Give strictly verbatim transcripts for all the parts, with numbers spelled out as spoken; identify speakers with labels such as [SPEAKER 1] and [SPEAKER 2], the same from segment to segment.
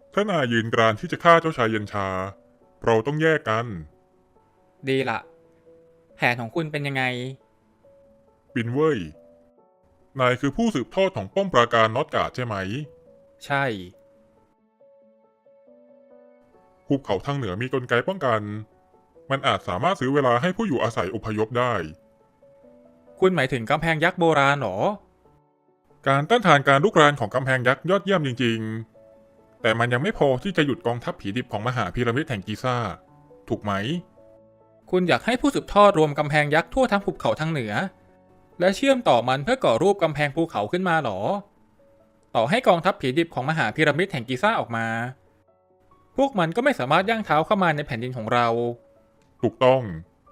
[SPEAKER 1] ถ้านายยืนกรานที่จะฆ่าเจ้าชายเย็นชาเราต้องแยกกัน
[SPEAKER 2] ดีละแผนของคุณเป็นยังไง
[SPEAKER 1] ปินเว่ยนายคือผู้สืบทอดของป้อมปราการน็อตการ์ดใช่ไหม
[SPEAKER 2] ใช่
[SPEAKER 1] ภูเขาทางเหนือมีกลไกป้องกันมันอาจสามารถซื้อเวลาให้ผู้อยู่อาศัยอพยพได้
[SPEAKER 2] คุณหมายถึงกำแพงยักษ์โบราณหรอ
[SPEAKER 1] การต้านทานการลุกรานของกำแพงยักษ์ยอดเยี่ยมจริงๆแต่มันยังไม่พอที่จะหยุดกองทัพผีดิบของมหาพีระมิดแห่งกิซ่าถูกไหม
[SPEAKER 2] คุณอยากให้ผู้สืบทอดรวมกำแพงยักษ์ทั่วทั้งภูเขาทางเหนือและเชื่อมต่อมันเพื่อก่อรูปกำแพงภูเขาขึ้นมาหรอต่อให้กองทัพผีดิบของมหาพีระมิดแห่งกิซ่าออกมาพวกมันก็ไม่สามารถย่างเท้าเข้ามาในแผ่นดินของเรา
[SPEAKER 1] ถูกต้อง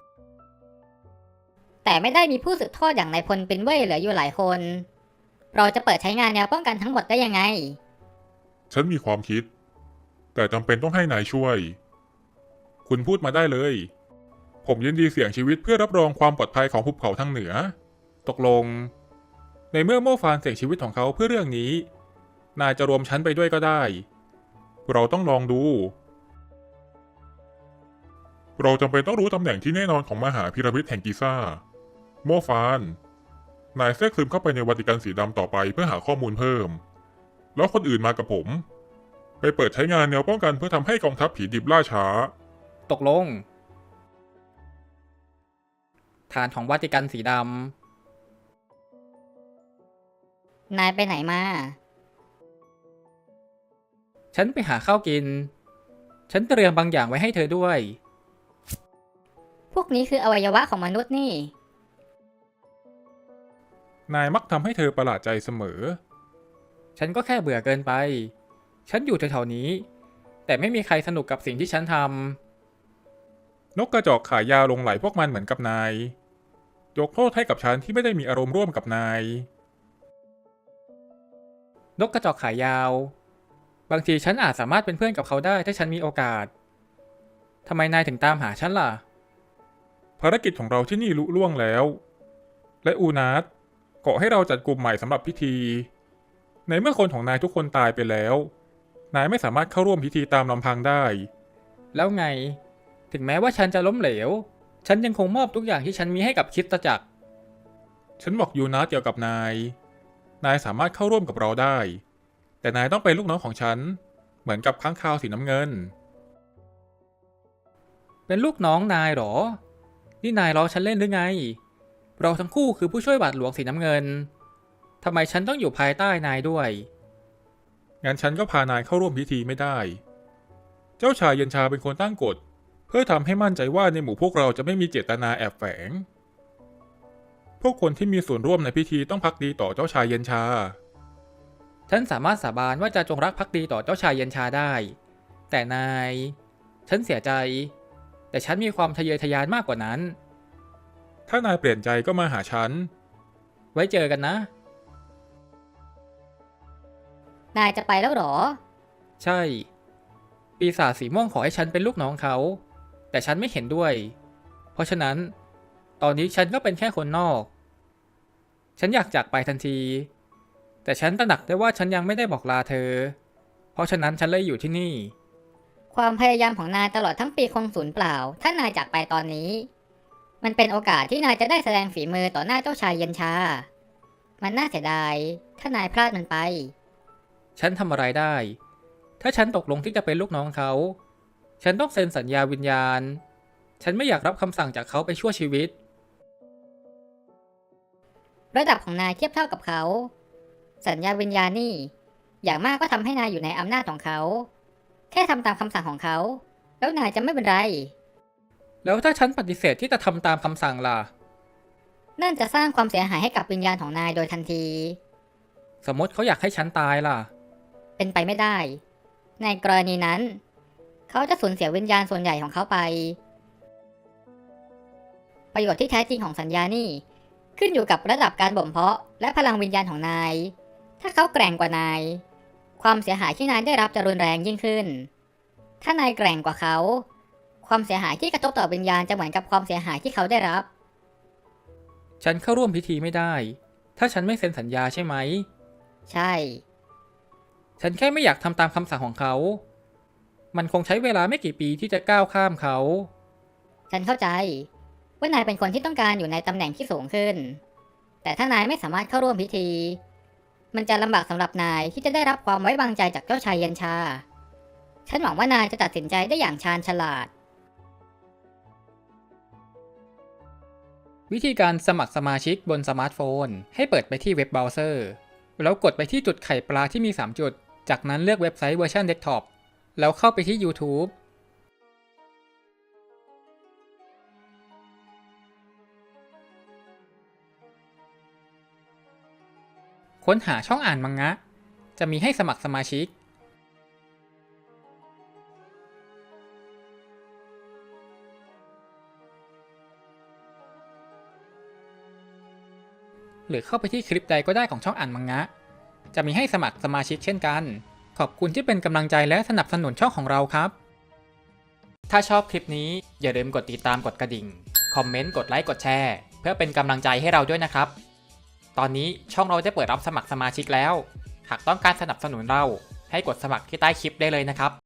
[SPEAKER 3] แต่ไม่ได้มีผู้สืบทอดอย่างนายพลเป็นเว่ยเหลืออยู่หลายคน เราจะเปิดใช้งานแนวป้องกันทั้งหมดได้ยังไง
[SPEAKER 1] ฉันมีความคิดแต่จำเป็นต้องให้นายช่วยคุณพูดมาได้เลยผมยินดีเสี่ยงชีวิตเพื่อรับรองความปลอดภัยของภูเขาทางเหนือ
[SPEAKER 2] ตกลงในเมื่อโม่ฟานเสี่ยงชีวิตของเขาเพื่อเรื่องนี้นายจะรวมฉันไปด้วยก็ได้
[SPEAKER 1] เราต้องลองดูเราจำเป็นต้องรู้ตำแหน่งที่แน่นอนของมหาพีระมิดแห่งกิซ่าโมฟานนายแทรกซึมเข้าไปในวัติกันสีดำต่อไปเพื่อหาข้อมูลเพิ่มแล้วคนอื่นมากับผมไปเปิดใช้งานแนวป้องกันเพื่อทำให้กองทัพผีดิบล่าช้า
[SPEAKER 2] ตกลงฐานของวาติกันสีด
[SPEAKER 3] นายไปไหนมา
[SPEAKER 2] ำฉันไปหาข้าวกินฉันเตรียมบางอย่างไว้ให้เธอด้วย
[SPEAKER 3] พวกนี้คืออวัยวะของมนุษย์นี่
[SPEAKER 2] นายมักทำให้เธอประหลาดใจเสมอฉันก็แค่เบื่อเกินไปฉันอยู่แถวๆนี้แต่ไม่มีใครสนุกกับสิ่งที่ฉันทำนกกระจอกขายาวลงไหลพวกมันเหมือนกับนายยกโทษให้กับฉันที่ไม่ได้มีอารมณ์ร่วมกับนายนกกระจอกขายาวบางทีฉันอาจสามารถเป็นเพื่อนกับเขาได้ถ้าฉันมีโอกาสทำไมนายถึงตามหาฉันล่ะภารกิจของเราที่นี่ลุล่วงแล้วและอูนัสเกาะให้เราจัดกลุ่มใหม่สำหรับพิธีในเมื่อคนของนายทุกคนตายไปแล้วนายไม่สามารถเข้าร่วมพิธีตามลำพังได้แล้วไงถึงแม้ว่าฉันจะล้มเหลวฉันยังคงมอบทุกอย่างที่ฉันมีให้กับคริสตจักรฉันบอกยูนัสเกี่ยวกับนายนายสามารถเข้าร่วมกับเราได้แต่นายต้องเป็นลูกน้องของฉันเหมือนกับค้างคาวสีน้ำเงินเป็นลูกน้องนายหรอนี่นายล้อฉันเล่นหรือไงเราทั้งคู่คือผู้ช่วยบาทหลวงสีน้ำเงินทำไมฉันต้องอยู่ภายใต้นายด้วยงั้นฉันก็พานายเข้าร่วมพิธีไม่ได้เจ้าชายเย็นชาเป็นคนตั้งกฎเพื่อทำให้มั่นใจว่าในหมู่พวกเราจะไม่มีเจตนาแอบแฝงพวกคนที่มีส่วนร่วมในพิธีต้องภักดีต่อเจ้าชายเย็นชาฉันสามารถสาบานว่าจะจงรักภักดีต่อเจ้าชายเย็นชาได้แต่นายฉันเสียใจแต่ฉันมีความทะเยอทะยานมากกว่านั้นถ้านายเปลี่ยนใจก็มาหาฉันไว้เจอกันนะ
[SPEAKER 3] นายจะไปแล้วหรอ
[SPEAKER 2] ใช่ปีศาจสีม่วงขอให้ฉันเป็นลูกน้องเขาแต่ฉันไม่เห็นด้วยเพราะฉะนั้นตอนนี้ฉันก็เป็นแค่คนนอกฉันอยากจากไปทันทีแต่ฉันตระหนักได้ว่าฉันยังไม่ได้บอกลาเธอเพราะฉะนั้นฉันเลยอยู่ที่นี่
[SPEAKER 3] ความพยายามของนายตลอดทั้งปีคงสูญเปล่าถ้านายจากไปตอนนี้มันเป็นโอกาสที่นายจะได้แสดงฝีมือต่อหน้าเจ้าชายเย็นชามันน่าเสียดายถ้านายพลาดมันไป
[SPEAKER 2] ฉันทำอะไรได้ถ้าฉันตกลงที่จะเป็นลูกน้องเขาฉันต้องเซ็นสัญญาวิญญาณฉันไม่อยากรับคำสั่งจากเขาไปชั่วชีวิต
[SPEAKER 3] ระดับของนายเทียบเท่ากับเขาสัญญาวิญญาณนี่อย่างมากก็ทำให้นายอยู่ในอำนาจของเขาแค่ทำตามคำสั่งของเขาแล้วนายจะไม่เป็นไร
[SPEAKER 2] แล้วถ้าฉันปฏิเสธที่จะทำตามคำสั่งล่ะ
[SPEAKER 3] นั่นจะสร้างความเสียหายให้กับวิญญาณของนายโดยทันที
[SPEAKER 2] สมมติเขาอยากให้ฉันตายล่ะ
[SPEAKER 3] เป็นไปไม่ได้ในกรณีนั้นเขาจะสูญเสียวิญญาณส่วนใหญ่ของเขาไปประโยชน์ที่แท้จริงของสัญญานี่ขึ้นอยู่กับระดับการบ่มเพาะและพลังวิญญาณของนายถ้าเขาแกร่งกว่านายความเสียหายที่นายได้รับจะรุนแรงยิ่งขึ้นถ้านายแกร่งกว่าเขาความเสียหายที่กระทบต่อวิญญาณจะเหมือนกับความเสียหายที่เขาได้รับ
[SPEAKER 2] ฉันเข้าร่วมพิธีไม่ได้ถ้าฉันไม่เซ็นสัญญาใช่ไหม
[SPEAKER 3] ใช่
[SPEAKER 2] ฉันแค่ไม่อยากทำตามคำสั่งของเขามันคงใช้เวลาไม่กี่ปีที่จะก้าวข้ามเขา
[SPEAKER 3] ฉันเข้าใจว่านายเป็นคนที่ต้องการอยู่ในตำแหน่งที่สูงขึ้น แต่ถ้านายไม่สามารถเข้าร่วมพิธี มันจะลำบากสำหรับนายที่จะได้รับความไว้วางใจจากเจ้าชายเย็นชา ฉันหวังว่านายจะตัดสินใจได้อย่างชาญฉลาด
[SPEAKER 2] วิธีการสมัครสมาชิกบนสมาร์ทโฟนให้เปิดไปที่เว็บเบราว์เซอร์ แล้วกดไปที่จุดไข่ปลาที่มีสามจุด จากนั้นเลือกเว็บไซต์เวอร์ชันเดสก์ท็อป แล้วเข้าไปที่ YouTube ค้นหาช่องอ่านมังงะ จะมีให้สมัครสมาชิก หรือเข้าไปที่คลิปใดก็ได้ของช่องอ่านมังงะ จะมีให้สมัครสมาชิกเช่นกัน ขอบคุณที่เป็นกำลังใจและสนับสนุนช่องของเราครับ ถ้าชอบคลิปนี้อย่าลืมกดติดตามกดกระดิ่ง คอมเมนต์ กดไลค์ กดแชร์ เพื่อเป็นกำลังใจให้เราด้วยนะครับ ตอนนี้ช่องเราได้เปิดรับสมัครสมาชิกแล้ว หากต้องการสนับสนุนเราให้กดสมัครที่ใต้คลิปได้เลยนะครับ